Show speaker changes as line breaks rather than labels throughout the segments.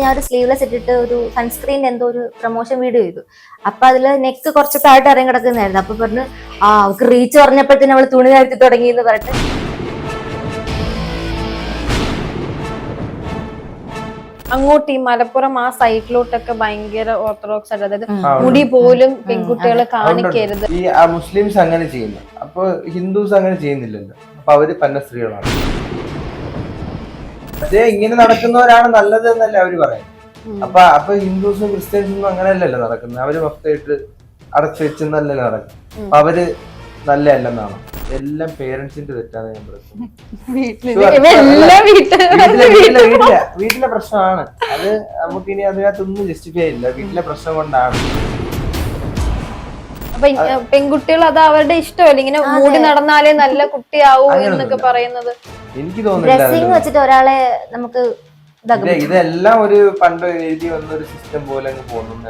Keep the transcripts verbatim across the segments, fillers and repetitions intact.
ഞാൻ ഒരു സ്ലീവ്ലെസ് ഇട്ടിട്ട് ഒരു സൺസ്ക്രീൻ എന്തോ ഒരു പ്രൊമോഷൻ വീഡിയോ ചെയ്തു. അപ്പൊ അതില് നെക്ക് കുറച്ച് താഴോട്ട് ഇറങ്ങി കിടക്കുന്നതായിരുന്നു. അപ്പൊ പറഞ്ഞു ആ അവർക്ക് റീച്ച് പറഞ്ഞപ്പോഴത്തേനും അവള് തുണി താഴ്ത്തി തുടങ്ങി എന്ന് പറഞ്ഞിട്ട്
അങ്ങോട്ട് ഈ മലപ്പുറം ആ സൈഡിലോട്ടൊക്കെ ഭയങ്കര ഓർത്തഡോക്സ് ആയിട്ട്, അതായത് മുടി പോലും പെൺകുട്ടികളെ കാണിക്കരുത്.
ഈ മുസ്ലിംസ് അങ്ങനെ ചെയ്യുന്നു, അപ്പൊ ഹിന്ദുസ് അങ്ങനെ ചെയ്യുന്നില്ലല്ലോ. അപ്പൊ അവര് പന്ന സ്ത്രീകളാണ്. പക്ഷേ ഇങ്ങനെ നടക്കുന്നവരാണ് നല്ലത് എന്നല്ലേ അവര് പറയുന്നത്. അപ്പൊ അപ്പൊ ഹിന്ദുസും ക്രിസ്ത്യൻസും അങ്ങനെയല്ലല്ലോ നടക്കുന്നത്. അവര് മൊത്തമായിട്ട് അടച്ചു വെച്ചെന്നല്ലല്ലോ നടക്കുന്നത്. അപ്പൊ അവര് നല്ലതല്ലെന്നാണ്. എല്ലാം പേരൻസിന്റെ തെറ്റാണ് ഞാൻ പറയുന്നത്. വീട്ടിലെ വീട്ടിലെ പ്രശ്നമാണ് അത്. നമുക്ക് ഇനി അതിനകത്തൊന്നും ജസ്റ്റിഫൈ ഇല്ല. വീട്ടിലെ പ്രശ്നം കൊണ്ടാണ്.
അപ്പൊ പെൺകുട്ടികൾ അത് അവരുടെ ഇഷ്ടമല്ല, ഇങ്ങനെ മൂടി നടന്നാലേ നല്ല കുട്ടിയാവൂ എന്നൊക്കെ പറയുന്നത്.
എനിക്ക് തോന്നുന്നില്ല
വെച്ചിട്ട് ഒരാളെ നമുക്ക്
ഇതെല്ലാം ഒരു പണ്ട് എഴുതി വന്ന ഒരു സിസ്റ്റം പോലെ അങ്ങ് പോകുന്നു.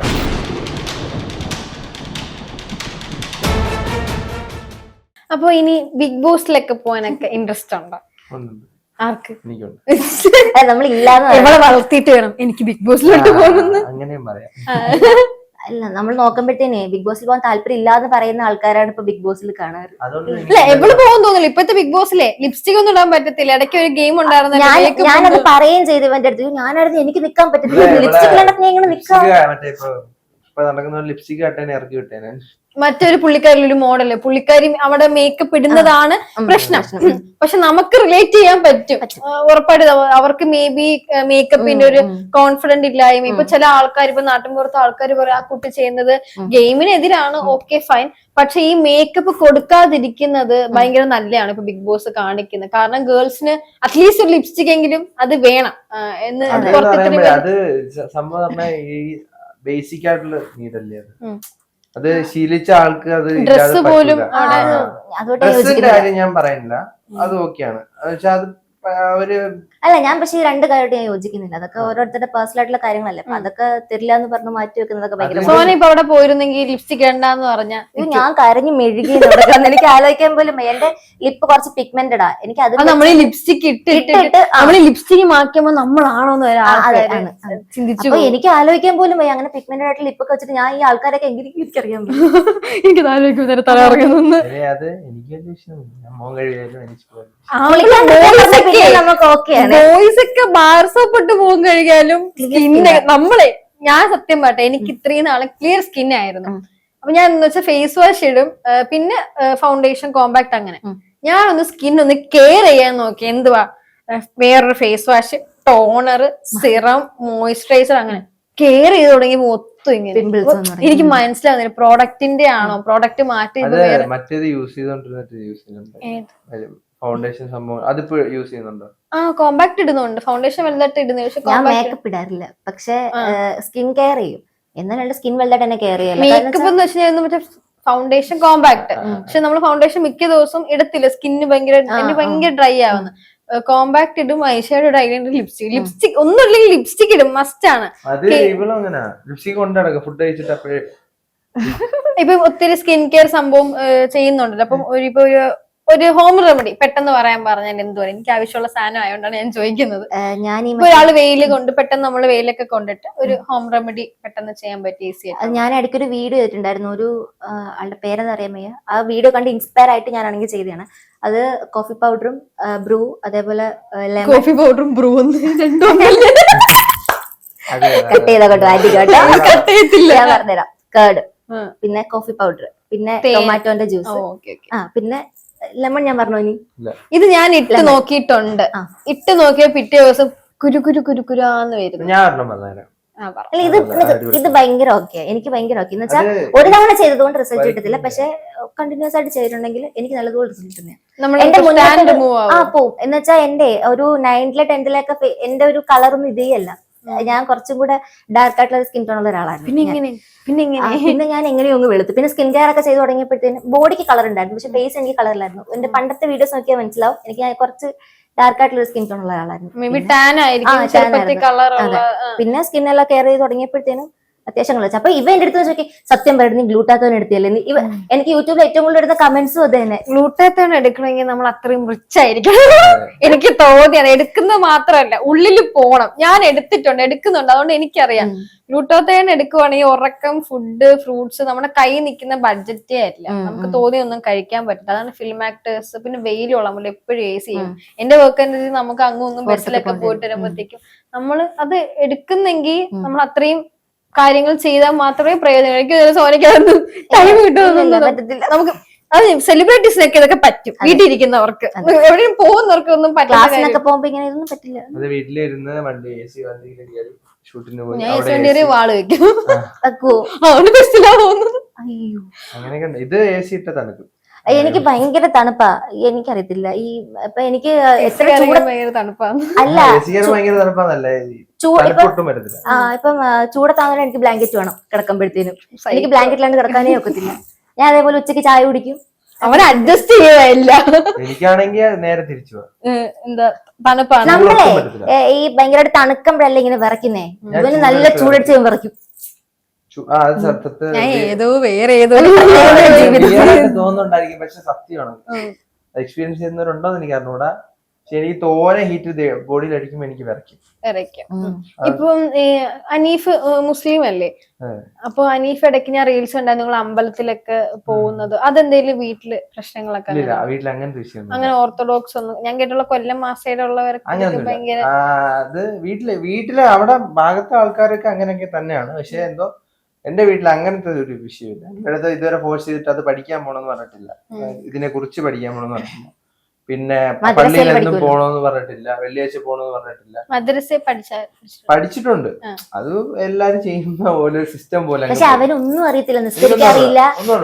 അപ്പൊ ഇനി ബിഗ് ബോസിലൊക്കെ പോകാനൊക്കെ ഇൻട്രസ്റ്റ് ഉണ്ടോ? ആർക്ക്?
നമ്മൾ ഇല്ലാന്ന്
എവിടെ വളർത്തിയിട്ട് വേണം എനിക്ക് ബിഗ് ബോസിലോട്ട് പോകുന്നത്.
അങ്ങനെയും പറയാം.
അല്ല, നമ്മൾ നോക്കുമ്പോഴത്തേനെ ബിഗ് ബോസിൽ പോകാൻ താല്പര്യം ഇല്ലാന്ന് പറയുന്ന ആൾക്കാരാണ് ഇപ്പൊ ബിഗ് ബോസിൽ കാണാറ്.
അല്ല, എവിടെ പോകും തോന്നില്ല. ഇപ്പഴത്തെ ബിഗ് ബോസിലെ ലിപ്സ്റ്റിക് ഒന്നും ഇടാൻ പറ്റത്തില്ല. ഇടയ്ക്ക് ഒരു ഗെയിം ഉണ്ടായിരുന്നു.
ഞാനത് പറയുകയും ചെയ്തു ഇവന്റെ അടുത്ത്. ഞാനായിരുന്നു എനിക്ക് നിക്കാൻ പറ്റത്തില്ല, ലിപ്സ്റ്റിക് ഇല്ലാണ്ട് എങ്ങനെ നിക്കാം.
ലിപ്സ്റ്റിക് ഇറക്കി വിട്ടേനെ.
മറ്റൊരു പുള്ളിക്കാരിൽ ഒരു മോഡല്, പുള്ളിക്കാരി അവിടെ മേക്കപ്പ് ഇടുന്നതാണ് പ്രശ്നം. പക്ഷെ നമുക്ക് റിലേറ്റ് ചെയ്യാൻ പറ്റും ഉറപ്പായിട്ട്. അവർക്ക് മേ ബി മേക്കപ്പിന്റെ ഒരു കോൺഫിഡന്റ് ഇല്ലായ്മ. ഇപ്പൊ ചില ആൾക്കാർ, ഇപ്പൊ നാട്ടിൻപുറത്തെ ആൾക്കാർ പറയും ആ കുട്ടി ചെയ്യുന്നത് ഗെയിമിനെതിരാണ്, ഓക്കെ ഫൈൻ. പക്ഷെ ഈ മേക്കപ്പ് കൊടുക്കാതിരിക്കുന്നത് ഭയങ്കര നല്ലതാണ് ഇപ്പൊ ബിഗ് ബോസ് കാണിക്കുന്നത്. കാരണം ഗേൾസിന് അറ്റ്ലീസ്റ്റ് ഒരു ലിപ്സ്റ്റിക് എങ്കിലും അത് വേണം എന്ന്.
അത് സംഭവം ബേസിക് ആയിട്ടുള്ള നീഡല്ലേ അത്. അത് ശീലിച്ച ആൾക്ക് അത്
ഡ്രസ് പോലും
ഡ്രസ്സിന്റെ കാര്യം ഞാൻ പറയുന്നില്ല, അത് ഓക്കെയാണ്. പക്ഷെ അത് അവര്
അല്ല, ഞാൻ പക്ഷേ ഈ രണ്ട് കാര്യമായിട്ട് ഞാൻ യോജിക്കുന്നില്ല. അതൊക്കെ ഓരോരുത്തരുടെ പേഴ്സണൽ ആയിട്ടുള്ള കാര്യങ്ങളല്ലേ. അപ്പൊ അതൊക്കെ തരില്ല എന്ന് പറഞ്ഞ് മാറ്റി വെക്കുന്നതൊക്കെ ഭയങ്കര.
സോന ഇപ്പൊ അവിടെ പോയിരുന്നെങ്കിൽ ലിപ്സ്റ്റിക് ഇടണ്ടെന്ന് പറഞ്ഞ
ഞാൻ കരഞ്ഞു മെഴുകി എനിക്ക് ആലോചിക്കാൻ പോലും. എന്റെ ലിപ്പ് കുറച്ച് പിഗ്മെന്റഡാ. എനിക്ക് അത്
നമ്മൾ ലിപ്സ്റ്റിക് ഇട്ടിട്ട് നമ്മള് ലിപ്സ്റ്റിക് മാറ്റുമ്പോ നമ്മളാണോന്ന് ചിന്തിച്ചു.
എനിക്ക് ആലോചിക്കാൻ പോലും വയ്യ. അങ്ങനെ പിഗ്മെന്റഡ് ആയിട്ട് ലിപ്പൊക്കെ വെച്ചിട്ട് ഞാൻ ഈ ആൾക്കാരൊക്കെ എങ്ങനെ എനിക്കറിയാൻ പറ്റും.
എനിക്ക് ആലോചിക്കും തല ഇറങ്ങുന്നു. ബോയ്സ് ഒക്കെ ബാർ സോപ്പ് ഇട്ട് പോകും കഴിയാലും സ്കിന്ന് നമ്മളെ. ഞാൻ സത്യം പറട്ടെ, എനിക്ക് ഇത്രയും നാളെ ക്ലിയർ സ്കിൻ ആയിരുന്നു. അപ്പൊ ഞാൻ എന്ന് വെച്ചാൽ ഫേസ് വാഷ് ഇടും, പിന്നെ ഫൗണ്ടേഷൻ, കോമ്പാക്ട്, അങ്ങനെ. ഞാനൊന്ന് സ്കിൻ ഒന്ന് കെയർ ചെയ്യാൻ നോക്കി. എന്തുവാ വേറൊരു face wash, toner, serum, moisturiser, അങ്ങനെ കെയർ ചെയ്ത് തുടങ്ങി മൊത്തം ഇങ്ങനെ. എനിക്ക് മനസ്സിലാവുന്നില്ല പ്രോഡക്റ്റിന്റെ ആണോ, പ്രോഡക്റ്റ് മാറ്റി
മറ്റേത് യൂസ് ചെയ്തോണ്ടിരുന്നിട്ട് ഫൗണ്ടേഷൻ സംഭവം അതിപ്പോ യൂസ് ചെയ്യുന്നുണ്ടോ?
ആ, കോമ്പാക്ട് ഇടുന്നുണ്ട്. ഫൗണ്ടേഷൻ വലുതായിട്ട് ഇടുന്നു. പക്ഷെ
ഞാൻ മേക്കപ്പ് ഇടാറില്ല, പക്ഷെ സ്കിൻ കെയർ ചെയ്യും. എന്നാലും സ്കിൻ വലുതായിട്ട് തന്നെ കെയർ ചെയ്യല്ല.
മേക്കപ്പ് എന്ന് വെച്ചാൽ മറ്റേ ഫൗണ്ടേഷൻ, കോമ്പാക്ട്. പക്ഷെ നമ്മൾ ഫൗണ്ടേഷൻ മിക്ക ദിവസവും ഇടത്തില്ല. സ്കിന്ന് ഭയങ്കര എനിക്ക് ഭയങ്കര ഡ്രൈ ആവുന്നു. കോമ്പാക്ട് ഇടും, ഐഷാഡോ ഇടും, ഐലൈനർ, ലിപ്സ്റ്റിക് ലിപ്സ്റ്റിക് ഒന്നുമില്ലെങ്കിൽ ലിപ്സ്റ്റിക് ഇടും, മസ്റ്റ് ആണ്. ഇപ്പൊ ഒത്തിരി സ്കിൻ കെയർ സംഭവം ചെയ്യുന്നുണ്ടല്ലോ. അപ്പം ഇപ്പൊ ഒരു ഒരു ഹോം റെമഡി പെട്ടെന്ന് പറയാൻ പറഞ്ഞാൽ എന്ത് പറയും? എനിക്ക് ആവശ്യമുള്ള സാധനം ആയതുകൊണ്ടാണ് ഞാൻ ചോദിക്കുന്നത്.
ഞാൻ
ഒരാള് വെയില് കൊണ്ട് പെട്ടെന്ന് നമ്മള് വെയിലൊക്കെ കൊണ്ടിട്ട് ഒരു ഹോം റെമഡി പെട്ടെന്ന് ചെയ്യാൻ പറ്റിയ ഈസി ആയിട്ട്.
ഞാൻ ഇടയ്ക്കൊരു വീഡിയോ ചെയ്തിട്ടുണ്ടായിരുന്നു. ഒരു ആളുടെ പേരെന്ന് അറിയാൻ വയ്യ. ആ വീഡിയോ കണ്ട് ഇൻസ്പയർ ആയിട്ട് ഞാനാണെങ്കിൽ ചെയ്തതാണ്. അത് കോഫി പൗഡറും ബ്രൂ, അതേപോലെ
കോഫി പൗഡറും ബ്രൂ
കട്ട് ചെയ്തോട്ടോ ഞാൻ പറഞ്ഞുതരാം. കേർഡ്, പിന്നെ കോഫി പൗഡർ, പിന്നെ ടൊമാറ്റോന്റെ ജ്യൂസ്, ആ പിന്നെ ലെമൺ. ഞാൻ പറഞ്ഞു ഇനി
ഇത് ഞാൻ ഇട്ട് നോക്കിയിട്ടുണ്ട്. ഇട്ട് നോക്കിയ പിറ്റേ ദിവസം കുരു കുരു കുരു കുരാന്ന് വരുന്നു.
ഇത് ഇത് ഭയങ്കര ഓക്കെ, എനിക്ക് ഭയങ്കര ഓക്കെ എന്ന് വെച്ചാൽ ഒരു തവണ ചെയ്തതുകൊണ്ട് റിസൾട്ട് കിട്ടത്തില്ല. പക്ഷെ കണ്ടിന്യൂസ് ആയിട്ട് ചെയ്തിട്ടുണ്ടെങ്കിൽ എനിക്ക് നല്ലതുപോലെ റിസൾട്ട് തന്നെയാണ്. എന്റെ മുന്നേ ആ പോവും എന്ന് വെച്ചാൽ എന്റെ ഒരു നയൻത്തിലെ ടെൻത്തിലൊക്കെ എന്റെ ഒരു കളറൊന്നും ഇതേ അല്ല. ഞാൻ കുറച്ചും കൂടെ ഡാർക്ക് ആയിട്ടുള്ള സ്കിൻ ടോൺ ഉള്ള ഒരാളാണ്. പിന്നെ ഞാൻ എങ്ങനെയോ ഒന്ന് വെളുത്തു. പിന്നെ സ്കിൻ കെയർ ഒക്കെ ചെയ്ത് തുടങ്ങിയപ്പോഴത്തേന് ബോഡിക്ക് കളർ ഉണ്ടായിരുന്നു, പക്ഷെ ഫേസ് എനിക്ക് കളറിലായിരുന്നു. എന്റെ പണ്ടത്തെ വീഡിയോസ് നോക്കിയാൽ മനസ്സിലാവും എനിക്ക് കുറച്ച് ഡാർക്ക് ആയിട്ടുള്ള സ്കിൻ ടോൺ ഉള്ള ആളായിരുന്നു. പിന്നെ സ്കിൻ എല്ലാം കെയർ ചെയ്ത് തുടങ്ങിയപ്പോഴത്തേനും അത്യാവശ്യം കളിച്ചു. അപ്പൊ ഇവ എന്റെ അടുത്ത് നോക്കി സത്യം പറയുന്നത് ഗ്ലൂട്ടാത്തോൺ എടുത്തില്ലേ ഇവ. എനിക്ക് യൂട്യൂബിൽ ഏറ്റവും കൂടുതൽ എടുത്ത കമന്റ്സും അത് തന്നെ.
ഗ്ലൂട്ടാത്തോൺ എടുക്കണമെങ്കിൽ നമ്മൾ അത്രയും റിച്ച് ആയിരിക്കണം. എനിക്ക് തോന്നിയത് എടുക്കുന്നത് മാത്രമല്ല, ഉള്ളിൽ പോണം. ഞാൻ എടുത്തിട്ടുണ്ട്, എടുക്കുന്നുണ്ട്, അതുകൊണ്ട് എനിക്കറിയാം. ഗ്ലൂട്ടാത്തോൺ എടുക്കുവാണെങ്കിൽ ഉറക്കം, ഫുഡ്, ഫ്രൂട്ട്സ് നമ്മുടെ കൈ നിൽക്കുന്ന ബഡ്ജറ്റേ ആയിട്ടില്ല. നമുക്ക് തോന്നിയൊന്നും കഴിക്കാൻ പറ്റില്ല. അതാണ് ഫിലിം ആക്ടേഴ്സ്. പിന്നെ വെയിലുള്ള നമ്മൾ എപ്പോഴും എ സി ചെയ്യും. എന്റെ വർക്ക് അനുസരിച്ച് നമുക്ക് അങ്ങും ഇങ്ങും ബസ്സിലൊക്കെ പോയിട്ട് വരുമ്പോഴത്തേക്കും നമ്മൾ അത് എടുക്കുന്നെങ്കിൽ നമ്മൾ അത്രയും കാര്യങ്ങൾ ചെയ്താൽ മാത്രമേ പ്രയോജനം. എനിക്ക് സോനിക്ക് ടൈം കിട്ടുമെന്ന് പറ്റത്തില്ല. നമുക്ക് അത് സെലിബ്രിറ്റീസിനൊക്കെ ഇതൊക്കെ പറ്റും, വീട്ടിലിരിക്കുന്നവർക്ക്. എവിടെയും പോകുന്നവർക്ക് ഒന്നും
ക്ലാസ്സിനൊക്കെ പോകുമ്പോ ഇങ്ങനെ ഇതൊന്നും പറ്റില്ല.
വീട്ടിലിരുന്ന് വണ്ടി എ സി വണ്ടിയിൽ ഷൂട്ടിന് പോയി
ഞാൻ വണ്ടി വാള് വെക്കും.
അങ്ങനെയൊക്കെ. ഇത് എ സി ഇട്ട തണുക്കും.
എനിക്ക് ഭയങ്കര തണുപ്പാ. എനിക്കറിയത്തില്ല ഈ ഇപ്പൊ എനിക്ക് എത്ര
ഭയങ്കര തണുപ്പാണ്.
അല്ല
ഭയങ്കര തണുപ്പാന്നല്ലേ,
ആ ഇപ്പം ചൂടത്താകുമ്പോൾ എനിക്ക് ബ്ലാങ്കറ്റ് വേണം കിടക്കുമ്പോഴത്തേനും. എനിക്ക് ബ്ലാങ്കറ്റിലാണ്ട് കിടക്കാനേ ഒക്കത്തില്ല. ഞാൻ അതേപോലെ ഉച്ചക്ക് ചായ കുടിക്കും.
അവൻ അഡ്ജസ്റ്റ് ചെയ്യല്ല.
എനിക്കാണെങ്കിൽ നേരെ തിരിച്ചു
എന്താ തണുപ്പാണ്.
നമ്മളെ ഈ ഭയങ്കരമായിട്ട് തണുക്കുമ്പോഴല്ലേ ഇങ്ങനെ വിറയ്ക്കുന്നേ. ഇവന് നല്ല ചൂടടിച്ച് വിറയ്ക്കും.
ഏതോ വേറെ ഏതോ
തോന്നുന്നുണ്ടായിരിക്കും, പക്ഷെ സത്യമാണ്. എക്സ്പീരിയൻസ് ചെയ്യുന്നവരുണ്ടോന്ന് എനിക്ക് അറിഞ്ഞൂടാ. പക്ഷെ എനിക്ക് തോനെ ഹീറ്റ് ബോഡിയിൽ അടിക്കുമ്പോ എനിക്ക് വിറയ്ക്കും.
ഇപ്പം അനീഫ് മുസ്ലിം അല്ലേ? അപ്പൊ അനീഫ് ഇടയ്ക്ക് ഞാൻ റീൽസ് ഉണ്ടായിരുന്നു നിങ്ങൾ അമ്പലത്തിലൊക്കെ പോകുന്നത്. അതെന്തേലും വീട്ടില് പ്രശ്നങ്ങളൊക്കെ?
വീട്ടിൽ അങ്ങനത്തെ വിഷയം
അങ്ങനെ ഓർത്തഡോക്സ് ഒന്നും ഞാൻ കേട്ടുള്ള കൊല്ലം മാസയിലുള്ളവർക്ക് ഭയങ്കര
അത് വീട്ടില് വീട്ടില് അവിടെ ഭാഗത്തെ ആൾക്കാരൊക്കെ അങ്ങനെയൊക്കെ തന്നെയാണ്. പക്ഷെ എന്തോ എന്റെ വീട്ടിൽ അങ്ങനത്തെ ഒരു വിഷയമില്ല. ഇവിടുത്തെ ഇതുവരെ ഫോഴ്സ് ചെയ്തിട്ട് അത് പഠിക്കാൻ പോണെന്ന് പറഞ്ഞിട്ടില്ല, ഇതിനെ കുറിച്ച് പഠിക്കാൻ പോണെന്ന് പറഞ്ഞിട്ടില്ല. പിന്നെ പള്ളിയിലെന്നും പോണോന്ന് പറഞ്ഞിട്ടില്ല, വെള്ളിയാഴ്ച പോണോന്ന് പറഞ്ഞിട്ടില്ല.
മദ്രസ
പഠിച്ചിട്ടുണ്ട്. അത് എല്ലാരും ചെയ്യുന്ന പോലെ സിസ്റ്റം പോലെ.
പക്ഷെ അവനൊന്നും അറിയത്തില്ല, നിസ്കരിക്കാറില്ല,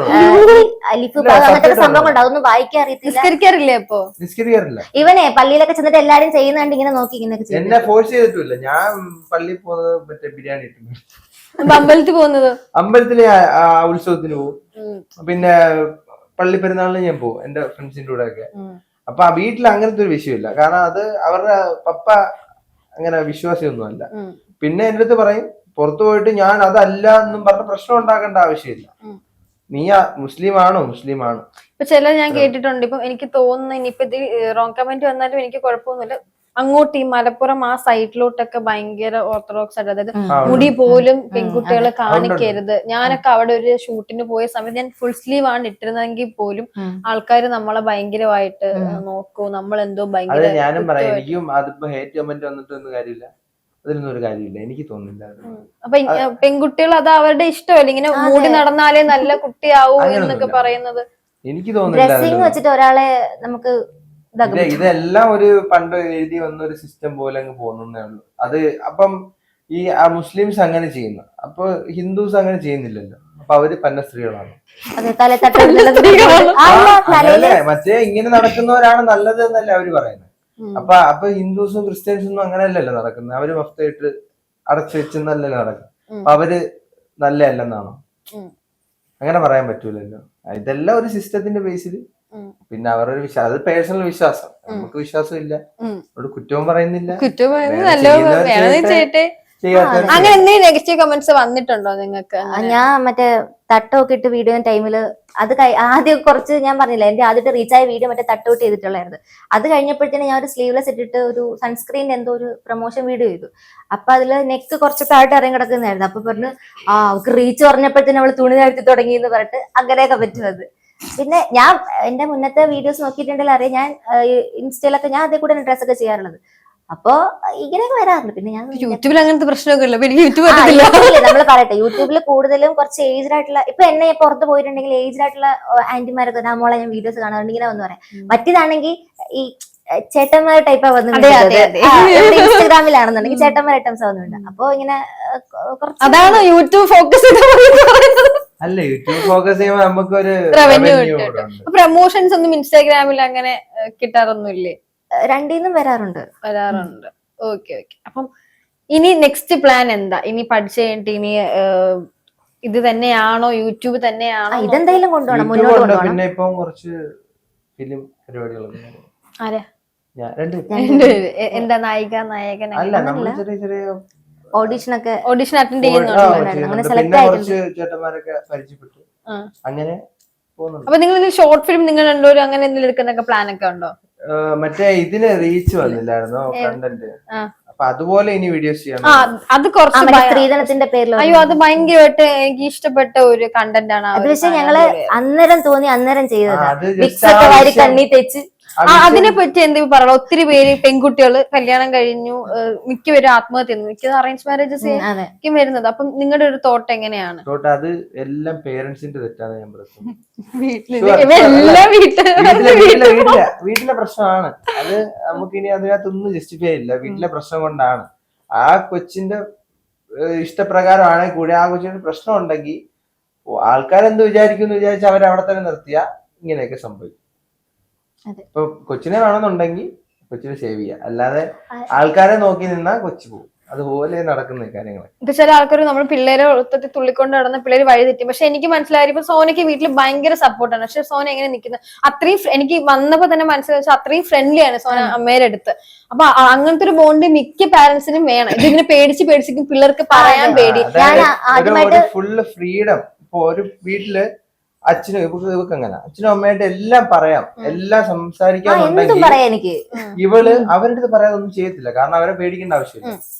അതൊന്നും വായിക്കാൻ അറിയത്തില്ല.
അപ്പൊ
നിസ്കരിക്കാറില്ല.
ഇവനെ പള്ളിയിലൊക്കെ ചെന്നിട്ട് എല്ലാരും ചെയ്യുന്നുണ്ട് ഇങ്ങനെ നോക്കി ഇങ്ങനെ.
എന്നെ ഫോഴ്സ് ചെയ്തിട്ടില്ല. ഞാൻ പള്ളിയിൽ പോകുന്നത് മറ്റേ ബിരിയാണി ഇട്ടുണ്ട്.
അമ്പലത്തിൽ പോകുന്നത്
അമ്പലത്തിലെ ഉത്സവത്തിന് പോകും. പിന്നെ പള്ളി പെരുന്നാളിന് ഞാൻ പോകും എന്റെ ഫ്രണ്ട്സിന്റെ കൂടെ ഒക്കെ. അപ്പൊ ആ വീട്ടിൽ അങ്ങനത്തെ ഒരു വിഷയമില്ല. കാരണം അത് അവരുടെ പപ്പ അങ്ങനെ വിശ്വാസിയൊന്നും അല്ല. പിന്നെ എന്റെ അടുത്ത് പറയും പുറത്തു പോയിട്ട് ഞാൻ അതല്ല എന്നും പറഞ്ഞ പ്രശ്നം ഉണ്ടാക്കേണ്ട ആവശ്യമില്ല. നീ മുസ്ലിം ആണോ മുസ്ലിം ആണ്.
ഇപ്പൊ ചില ഞാൻ കേട്ടിട്ടുണ്ട്. ഇപ്പൊ എനിക്ക് തോന്നുന്നു ഇനിയിപ്പോ ഇത് റോങ് കമന്റ് വന്നാലും എനിക്ക് കുഴപ്പമൊന്നുമില്ല. അങ്ങോട്ട് ഈ മലപ്പുറം ആ സൈഡിലോട്ടൊക്കെ ഭയങ്കര ഓർത്തഡോക്സ് ആയിട്ട്, അതായത് മുടി പോലും പെൺകുട്ടികളെ കാണിക്കരുത്. ഞാനൊക്കെ അവിടെ ഒരു ഷൂട്ടിന് പോയ സമയത്ത് ഞാൻ ഫുൾ സ്ലീവ് ആണ് ഇട്ടിരുന്നെങ്കിൽ പോലും ആൾക്കാർ നമ്മളെ ഭയങ്കരമായിട്ട് നോക്കൂ, നമ്മൾ എന്തോ ഭയങ്കര.
ഞാനും പറയാം, എനിക്കും അതിപ്പോ ഹേറ്റ് കമന്റ് വന്നിട്ടൊന്നും കാര്യമില്ല, അതിലൊന്നും ഒരു കാര്യമില്ല, എനിക്ക് തോന്നുന്നില്ല.
അപ്പൊ പെൺകുട്ടികൾ അത് അവരുടെ ഇഷ്ടമല്ല, ഇങ്ങനെ മൂടി നടന്നാലേ നല്ല കുട്ടിയാവൂ എന്നൊക്കെ പറയുന്നത്.
എനിക്ക് തോന്നുന്നില്ല
വെച്ചിട്ട് ഒരാളെ നമുക്ക്
ഇതെല്ലാം ഒരു പണ്ട് എഴുതി വന്ന ഒരു സിസ്റ്റം പോലെ അങ്ങ് പോകുന്നേ ഉള്ളൂ. അത് അപ്പം ഈ മുസ്ലിംസ് അങ്ങനെ ചെയ്യുന്നു, അപ്പൊ ഹിന്ദുസ് അങ്ങനെ ചെയ്യുന്നില്ലല്ലോ. അപ്പൊ അവര് പന്ന സ്ത്രീകളാണ്. മറ്റേ ഇങ്ങനെ നടക്കുന്നവരാണ് നല്ലത് എന്നല്ലേ അവര് പറയുന്നത്. അപ്പൊ അപ്പൊ ഹിന്ദുസും ക്രിസ്ത്യൻസും അങ്ങനെയല്ലല്ലോ നടക്കുന്നത്. അവര് മൊത്തമായിട്ട് അടച്ചു വെച്ചെന്നല്ലേ നടക്കുന്നത്. അപ്പൊ അവര് നല്ല അല്ലെന്നാണോ? അങ്ങനെ പറയാൻ പറ്റൂലല്ലോ. ഇതെല്ലാം ഒരു സിസ്റ്റത്തിന്റെ ബേസിൽ. പിന്നെ അവരൊരു വിശ്വാസം, അത് പേഴ്സണൽ വിശ്വാസം. നമുക്ക് വിശ്വാസം ഇല്ല, അവിടെ കുറ്റവും പറയുന്നില്ല.
അങ്ങനെ എന്തെങ്കിലും നെഗറ്റീവ് കമന്റ്സ് വന്നിട്ടുണ്ടോ നിങ്ങൾക്ക്?
ഞാൻ മറ്റേ തട്ടൊക്കെ ഇട്ട് വീഡിയോ ടൈമില് അത് ആദ്യം കുറച്ച് ഞാൻ പറഞ്ഞില്ല, എന്റെ ആദ്യത്തെ റീച്ച് ആയ വീഡിയോ മറ്റേ തട്ടോട്ട് ചെയ്തിട്ടുള്ളായിരുന്നു. അത് കഴിഞ്ഞപ്പോഴത്തേന് ഞാൻ ഒരു സ്ലീവ്ലെസ് ഇട്ടിട്ട് ഒരു സൺസ്ക്രീൻ എന്തോ ഒരു പ്രൊമോഷൻ വീഡിയോ ചെയ്തു. അപ്പൊ അതില് നെക്ക് കുറച്ച് താഴ്ത്ത് ഇറങ്ങി കിടക്കുന്നതായിരുന്നു. അപ്പൊ പറഞ്ഞു ആ അവർക്ക് റീച്ച് പറഞ്ഞപ്പോഴത്തേന് അവള് തുണി താഴ്ത്തി തുടങ്ങി എന്ന് പറഞ്ഞിട്ട് അങ്ങനെയൊക്കെ പറ്റുന്നത്. പിന്നെ ഞാൻ എന്റെ മുന്നത്തെ വീഡിയോസ് നോക്കിയിട്ടുണ്ടെങ്കിൽ അറിയാം, ഞാൻ ഇൻസ്റ്റയിലൊക്കെ ഞാൻ അതേ കൂടെ ഡ്രസ് ഒക്കെ ചെയ്യാറുള്ളത്. അപ്പൊ ഇങ്ങനെയൊക്കെ വരാറുണ്ട്. പിന്നെ ഞാൻ
യൂട്യൂബിൽ അങ്ങനത്തെ പ്രശ്നമൊക്കെ
നമ്മൾ പറയട്ടെ, യൂട്യൂബിൽ കൂടുതലും കുറച്ച് ഏജ്ഡ് ആയിട്ടുള്ള, ഇപ്പൊ എന്നെ പുറത്ത് പോയിട്ടുണ്ടെങ്കിൽ ഏജ്ഡ് ആയിട്ടുള്ള ആന്റിമാരൊക്കെ നമ്മളെ ഞാൻ വീഡിയോസ് കാണാറുണ്ട്. ഇങ്ങനെ വന്ന് പറയാം. മറ്റേതാണെങ്കിൽ ഈ ചേട്ടന്മാർ ടൈപ്പാ വന്നു ഇൻസ്റ്റാഗ്രാമിലാണെന്നുണ്ടെങ്കിൽ ചേട്ടന്മാർ ഐറ്റംസ് വന്നിട്ടുണ്ട്. അപ്പൊ ഇങ്ങനെ
അതാണ് യൂട്യൂബ് ഫോക്കസ്
അല്ല, യൂട്യൂബ് ഫോക്കസ് ചെയ്യുമ്പോൾ നമുക്കൊരു
റവന്യൂ കിട്ടും. പ്രൊമോഷൻസ് ഒന്നും ഇൻസ്റ്റാഗ്രാമിൽ അങ്ങനെ കിട്ടാറൊന്നുമില്ലേ?
രണ്ടീന്നും വരാറുണ്ട്
വരാറുണ്ട് ഓക്കെ ഓക്കെ. അപ്പം ഇനി നെക്സ്റ്റ് പ്ലാൻ എന്താ? ഇനി പഠിച്ചു കഴിഞ്ഞിട്ട് ഇനി ഇത് തന്നെയാണോ, യൂട്യൂബ് തന്നെയാണോ?
ഇതെന്തായാലും കൊണ്ടുപോകണം, മുന്നോട്ട് കൊണ്ടുപോകണം.
പിന്നെ ഇപ്പം കുറച്ച് ഫിലിം പരിപാടികളൊക്കെ.
ആരാ?
ഞാൻ രണ്ട്
എന്താ നായിക നായകൻ?
അല്ല, നമ്മൾ ചെറിയ ചെറിയ
ഓഡീഷനൊക്കെ
ഓഡീഷൻ അറ്റൻഡ്
ആ,
ചെയ്യുന്നുണ്ട്.
ചെയ്യുന്നുണ്ട്.
select
പിന്നെ
ആയിട്ടുണ്ട്.
കുറച്ച് ചേട്ടന്മാരൊക്കെ പരിചയപ്പെട്ടു
ആ.
അങ്ങനെ പോകുന്നുണ്ട്.
അപ്പൊ നിങ്ങൾ ഷോർട്ട് ഫിലിം നിങ്ങൾ രണ്ടുപേരും അങ്ങനെ എന്തെങ്കിലും എടുക്കുന്നൊക്കെ പ്ലാൻ ഒക്കെ ഉണ്ടോ?
ആ, മറ്റേ ഇതിന് റീച്ച് വന്നില്ലായിരുന്നോ കണ്ടന്റ്,
ആ.
അപ്പൊ അതുപോലെ ഇനി വീഡിയോസ് ചെയ്യാൻ
ആ അത് കുറച്ച് ഭയ-
സ്ത്രീധനത്തിന്റെ പേരിൽ
അയ്യോ അത് ഭയങ്കരമായിട്ട് എനിക്ക് ഇഷ്ടപ്പെട്ട ഒരു കണ്ടന്റ് ആണ് ആ
അത്
ഒരു
പക്ഷെ
സാധനം.
ഞങ്ങള് അന്നേരം തോന്നി അന്നേരം
ആ,
ചെയ്തതാ.
അത്
വിക്സ്
just
ഒക്കെ വാരി
ആവശ്യം-
കണ്ണി തെച്ച്
ആ അതിനെ പറ്റി എന്തെങ്കിലും പറയാം. ഒത്തിരി പേര് പെൺകുട്ടികള് കല്യാണം കഴിഞ്ഞു, ഏഹ് മിക്കവരും ആത്മഹത്യ ചെയ്യുന്നു, മിക്കത് അറേഞ്ച് മാരേജസ്
അതെ
വരുന്നത്. അപ്പം നിങ്ങളുടെ ഒരു തോട്ട് എങ്ങനെയാണ്?
തോട്ട് അത് എല്ലാം പേരൻസിന്റെ തെറ്റാണ് ഞാൻ പറയുന്നത്.
വീട്ടില്
Sure,
എല്ലാ
sure.
വീട്ടിലും
വീട്ടിലെ വീട്ടിലെ വീട്ടിലെ വീട്ടിലെ പ്രശ്നമാണ് അത്. നമുക്ക് ഇനി അതിനകത്തൊന്നും ജസ്റ്റിഫൈ ഇല്ല. വീട്ടിലെ പ്രശ്നം കൊണ്ടാണ്. ആ കൊച്ചിന്റെ ഏഹ്, ഇഷ്ടപ്രകാരമാണെങ്കിൽ കൂടി ആ കൊച്ചിന് പ്രശ്നം ഉണ്ടെങ്കിൽ ആൾക്കാരെന്ത് വിചാരിക്കുന്നു വിചാരിച്ച് അവരെ അവിടെ തന്നെ നിർത്തിയാ ഇങ്ങനെയൊക്കെ സംഭവിക്കും.
അതെ.
ഇപ്പൊ കൊച്ചിനെ വേണമെന്നുണ്ടെങ്കിൽ കൊച്ചിനെ സേവ് ചെയ്യുക, അല്ലാതെ ആൾക്കാരെ നോക്കി നിന്നാ കൊച്ചു പോകും. അതുപോലെ നടക്കുന്ന കാര്യങ്ങൾ.
ഇപ്പൊ ചില ആൾക്കാർ നമ്മൾ പിള്ളേരെ ഒത്തത്തിൽ തുള്ളിക്കൊണ്ട് നടന്ന പിള്ളേര് വഴി തെറ്റി. പക്ഷെ എനിക്ക് മനസ്സിലായി ഇപ്പൊ സോനയ്ക്ക് വീട്ടിൽ ഭയങ്കര സപ്പോർട്ടാണ്. പക്ഷെ സോന എങ്ങനെ നിൽക്കുന്നത് അത്രയും ഫ്ര- എനിക്ക് വന്നപ്പോ തന്നെ മനസ്സിലായി അത്രയും ഫ്രണ്ട്ലി ആണ് സോന അമ്മയുടെ അടുത്ത്. അപ്പൊ അ- അങ്ങനത്തെ ഒരു ബോണ്ട് മിക്ക പാരന്റ്സിനും വേണം. ഇതിങ്ങനെ പേടിച്ച് പേടിച്ചിരിക്കും പിള്ളേർക്ക് പറയാൻ പേടി.
ഞാൻ ആദ്യമായിട്ട്
ഫുള്ള് ഫ്രീഡം. ഇപ്പൊ ഒരു വീട്ടില് അച്ഛനും ഇവക്ക് ഇവക്ക് അങ്ങനെ അച്ഛനും അമ്മയായിട്ട് എല്ലാം പറയാം, എല്ലാം
എന്തും
സംസാരിക്കാന്നുണ്ടെങ്കിൽ
പറയാ എനിക്ക്.
ഇവള് അവരുടെ അടുത്ത് പറയാതെ ഒന്നും ചെയ്യത്തില്ല. കാരണം അവരെ പേടിക്കേണ്ട ആവശ്യമില്ല.